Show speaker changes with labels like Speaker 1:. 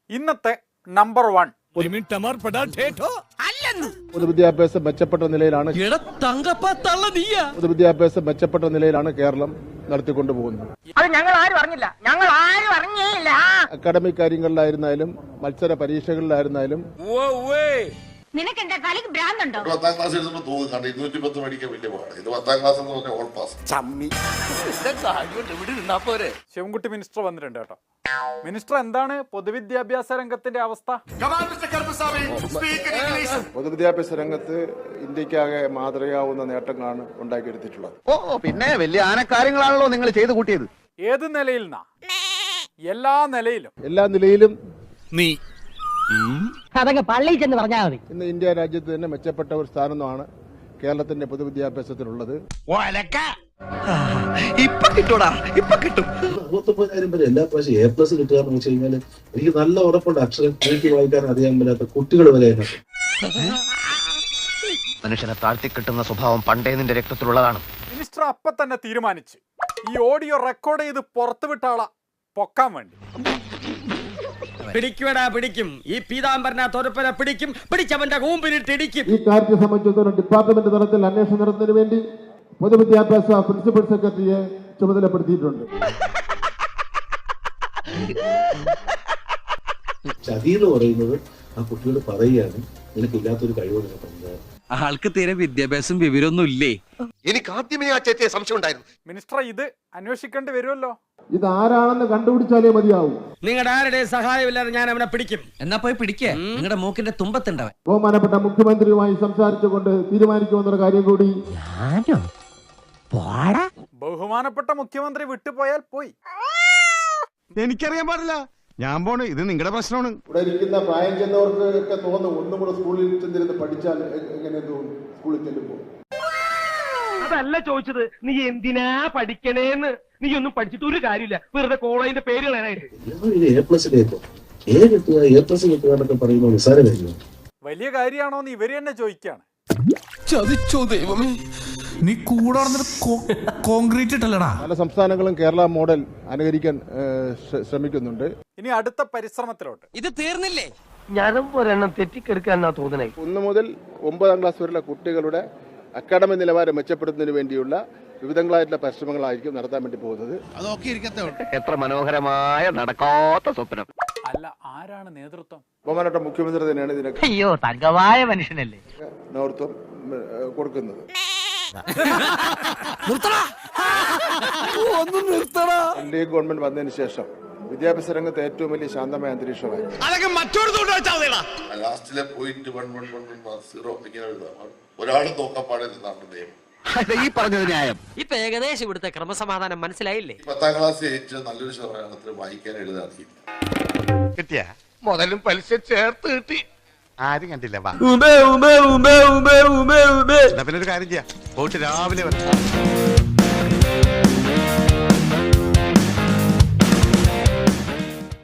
Speaker 1: ഇന്നത്തെ നമ്പർ 1
Speaker 2: പൊതുവിദ്യാഭ്യാസം മെച്ചപ്പെട്ട നിലയിലാണ് പൊതുവിദ്യാഭ്യാസം മെച്ചപ്പെട്ട നിലയിലാണ് കേരളം നടത്തിക്കൊണ്ടുപോകുന്നത്. അക്കാഡമിക് കാര്യങ്ങളിലായിരുന്നാലും മത്സര പരീക്ഷകളിലായിരുന്നാലും
Speaker 3: നിനക്കെന്താ കളിക്ക് ഭ്രാന്തുണ്ടോ?
Speaker 4: 10ാം ക്ലാസ് എഴുതുമ്പോൾ തോന്നുന്നുണ്ട് 210 മേടിക്കാൻ വലിയ പാട്. ഇത് 10ാം ക്ലാസ് എന്ന് പറഞ്ഞാൽ ഓൾ പാസ്.
Speaker 1: ശിവൻകുട്ടി മിനിസ്റ്റർ വന്നിട്ടുണ്ട് കേട്ടോ. മിനിസ്റ്റർ, എന്താണ് പൊതുവിദ്യാഭ്യാസ രംഗത്തിന്റെ അവസ്ഥ?
Speaker 2: പൊതുവിദ്യാഭ്യാസ രംഗത്ത് ഇന്ത്യക്കാകെ മാതൃകയാവുന്ന നേട്ടങ്ങളാണ് ഉണ്ടാക്കിയെടുത്തിട്ടുള്ളത്.
Speaker 5: പിന്നെ വലിയ ആനക്കാര്യങ്ങളാണല്ലോ നിങ്ങൾ ചെയ്തു കൂട്ടിയത്.
Speaker 1: ഏത് നിലയിൽ എല്ലാ
Speaker 2: നിലയിലും
Speaker 6: നീ
Speaker 7: അതങ്ങ് പള്ളിയിൽ ചെന്ന് പറഞ്ഞാൽ മതി.
Speaker 2: ഇന്ന് ഇന്ത്യ രാജ്യത്ത് തന്നെ മെച്ചപ്പെട്ട ഒരു സ്ഥാനമാണ് കേരളത്തിന്റെ പൊതുവിദ്യാഭ്യാസത്തിനുള്ളത്.
Speaker 5: ഇപ്പൊ കിട്ടൂടാ, ഇപ്പൊ കിട്ടും.
Speaker 8: 69,000 പേര് എല്ലാ പ്രാവശ്യം A+ കിട്ടുക എന്ന് വെച്ച് കഴിഞ്ഞാൽ എനിക്ക് നല്ല ഉറപ്പുണ്ട് അക്ഷരം എഴുതി വായിക്കാൻ അറിയാൻ പറ്റാത്ത കുട്ടികൾ വരെ
Speaker 5: മനുഷ്യനെ താഴ്ത്തി കിട്ടുന്ന സ്വഭാവം പണ്ടേ നിന്റെ രക്തത്തിലുള്ളതാണ്.
Speaker 1: മിനിസ്റ്റർ അപ്പൊ തന്നെ തീരുമാനിച്ച് ഈ ഓഡിയോ റെക്കോർഡ് ചെയ്ത് പുറത്തുവിട്ട ആളെ പൊക്കാൻ വേണ്ടി.
Speaker 9: പിടിക്കും ഈ പീതാംബരനെ പിടിക്കും, പിടിച്ചവന്റെ കൂമ്പിലിട്ട് ഇടിക്കും.
Speaker 2: ഈ കാര്യത്തെ സംബന്ധിച്ചിടത്തോളം ഡിപ്പാർട്ട്മെന്റ് തലത്തിൽ അന്വേഷണം നടത്തുന്നതിന് വേണ്ടി പൊതുവിദ്യാഭ്യാസ പ്രിൻസിപ്പൽ സെക്രട്ടറിയെ ചുമതലപ്പെടുത്തിയിട്ടുണ്ട്.
Speaker 8: ചതി എന്ന് പറയുന്നത് ആ കുട്ടിയോട് പറയുകയാണ് നിനക്കില്ലാത്തൊരു കഴിവ് നിനക്കുണ്ട്.
Speaker 6: ആൾക്ക് തീരെ വിദ്യാഭ്യാസം വിവരമൊന്നും ഇല്ലേ?
Speaker 5: എനിക്ക് ആദ്യമേ ആ ചേച്ചിയെ സംശയം ഉണ്ടായിരുന്നു.
Speaker 1: മിനിസ്റ്റർ, ഇത് അന്വേഷിക്കേണ്ടി വരുമല്ലോ.
Speaker 2: ഇത് ആരാണെന്ന് കണ്ടുപിടിച്ചാലേ മതിയാവും.
Speaker 9: നിങ്ങളുടെ ആരുടെ സഹായമില്ലാതെ ഞാൻ അവനെ പിടിക്കും.
Speaker 6: എന്നാ പോയി പിടിക്കേ, നിങ്ങളുടെ മൂക്കിന്റെ തുമ്പത്തുണ്ടവൻ.
Speaker 2: ബഹുമാനപ്പെട്ട മുഖ്യമന്ത്രിയുമായി സംസാരിച്ചുകൊണ്ട് തീരുമാനിക്കുമെന്നൊരു കാര്യം കൂടി.
Speaker 1: ബഹുമാനപ്പെട്ട മുഖ്യമന്ത്രി വിട്ടുപോയാൽ പോയി.
Speaker 6: എനിക്കറിയാൻ പാടില്ല, ഞാൻ പോണ്. ഇത് നിങ്ങളുടെ പ്രശ്നമാണ്.
Speaker 2: ഇവിടെ ഇരിക്കുന്ന പ്രായം ചെന്നവർക്ക് ഒക്കെ തോന്നും ഒന്നും കൂടെ സ്കൂളിൽ ചെന്നിരുന്ന് പഠിച്ചാൽ എങ്ങനെ തോന്നും സ്കൂളിൽ ചെല്ലുമ്പോൾ.
Speaker 9: അതല്ല ചോദിച്ചത്, നീ എന്തിനാ പഠിക്കണേന്ന്. നീ ഒന്നും പഠിച്ചിട്ട് ഒരു കാര്യമില്ല, വെറുതെ കോളേജിന്റെ പേര് കളയാനായിട്ട്.
Speaker 8: A+ കിട്ടുക എന്നൊക്കെ പറയുമ്പോൾ നിസ്സാര കാര്യമാണ്.
Speaker 1: വലിയ കാര്യമാണോന്ന് ഇവര് തന്നെ ചോദിക്കാണ്.
Speaker 6: ചതിച്ചോ ദൈവമേ, നീ കൂടെ കോൺക്രീറ്റ് ഇട്ടല്ലടാ.
Speaker 2: പല സംസ്ഥാനങ്ങളും കേരള മോഡൽ അനുകരിക്കാൻ ശ്രമിക്കുന്നുണ്ട്.
Speaker 1: ഇനി അടുത്ത പരിശ്രമത്തിലോട്ട്.
Speaker 9: ഇത് തീർന്നില്ലേ?
Speaker 7: ഞാനും ഒരെണ്ണം തെറ്റിക്കെടുക്കാന്നാ തോന്നണേ.
Speaker 2: 1 മുതൽ 9ാം ക്ലാസ് വരെയുള്ള കുട്ടികളുടെ അക്കാഡമിക് നിലവാരം മെച്ചപ്പെടുത്തുന്നതിന് വേണ്ടിയുള്ള വിവിധങ്ങളായിട്ടുള്ള പരിശ്രമങ്ങളായിരിക്കും നടത്താൻ വേണ്ടി പോകുന്നത്.
Speaker 5: എത്ര മനോഹരമായ നടക്കാത്ത സ്വപ്നം.
Speaker 1: അല്ല, ആരാണ് നേതൃത്വം?
Speaker 2: ബഹുമാനപ്പെട്ട മുഖ്യമന്ത്രി തന്നെയാണ് ഇതിനൊക്കെ
Speaker 7: അയ്യോ, തങ്കവായ മനുഷ്യനല്ലേ
Speaker 2: നേതൃത്വം കൊടുക്കുന്നത്. എൻഡിഎ ഗവൺമെന്റ് വന്നതിന് ശേഷം വിദ്യാഭ്യാസ രംഗത്ത് ഏറ്റവും വലിയ ശാന്തമായ അന്തരീക്ഷമായി.
Speaker 4: ലാസ്റ്റിലെ പോയിന്റ് 11110 ഇങ്ങനെ എഴുതാം. ഒരാളും നോക്കാൻ പാടില്ലെന്നാണ് നിയമം.
Speaker 5: ഈ പറഞ്ഞത് ന്യായം.
Speaker 9: ഇപ്പൊ ഏകദേശം ഇവിടുത്തെ ക്രമസമാധാനം മനസ്സിലായില്ലേ?
Speaker 4: 10ാം ക്ലാസ് ജയിച്ച് നല്ലൊരു ശതമാനത്തിൽ വായിക്കാൻ എഴുതാൻ അറിയില്ല.
Speaker 5: കിട്ടിയ മുതലും പലിശ ചേർത്ത് കിട്ടി. ആരും കണ്ടില്ല. പിന്നെ ഒരു കാര്യം ചെയ്യാം, പോയിട്ട് രാവിലെ വരാം.